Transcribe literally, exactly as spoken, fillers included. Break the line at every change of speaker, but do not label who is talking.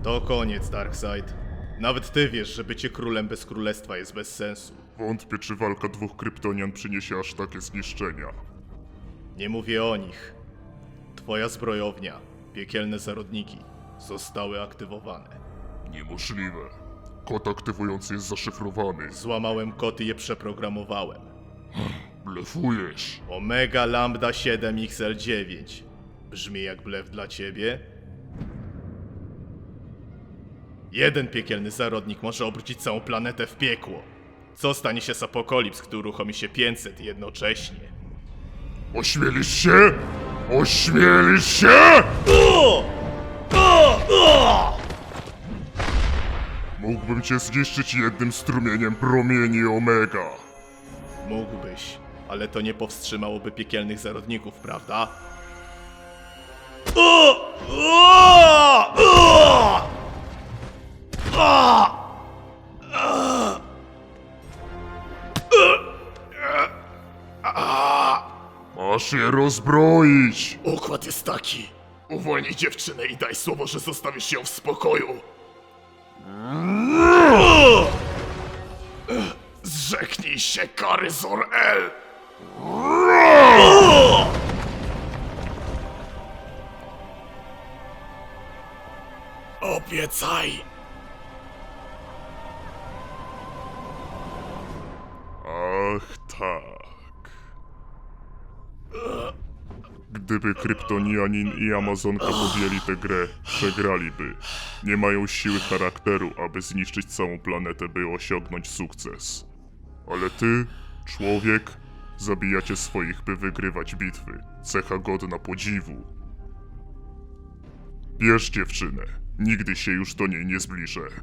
To koniec, Darkseid. Nawet ty wiesz, że bycie królem bez królestwa jest bez sensu.
Wątpię, czy walka dwóch kryptonian przyniesie aż takie zniszczenia.
Nie mówię o nich. Twoja zbrojownia, piekielne zarodniki, zostały aktywowane.
Niemożliwe. Kod aktywujący jest zaszyfrowany.
Złamałem kod i je przeprogramowałem.
Blefujesz.
Omega Lambda siedem X L dziewięć. Brzmi jak blef dla ciebie? Jeden piekielny zarodnik może obrócić całą planetę w piekło. Co stanie się z Apokolips, gdy uruchomi się pięćset jednocześnie?
Ośmielisz się? Ośmielisz się? Mógłbym cię zniszczyć jednym strumieniem promieni Omega.
Mógłbyś, ale to nie powstrzymałoby piekielnych zarodników, prawda?
Masz je rozbroić.
Układ jest taki. Uwolnij dziewczynę i daj słowo, że zostawisz ją w spokoju. Zrzeknij się kary Zor-El! Obiecaj!
Ach tak. Gdyby Kryptonianin i Amazonka podjęli tę grę, przegraliby. Nie mają siły charakteru, aby zniszczyć całą planetę, by osiągnąć sukces. Ale ty, człowiek, zabijacie swoich, by wygrywać bitwy. Cecha godna podziwu. Bierz dziewczynę. Nigdy się już do niej nie zbliżę.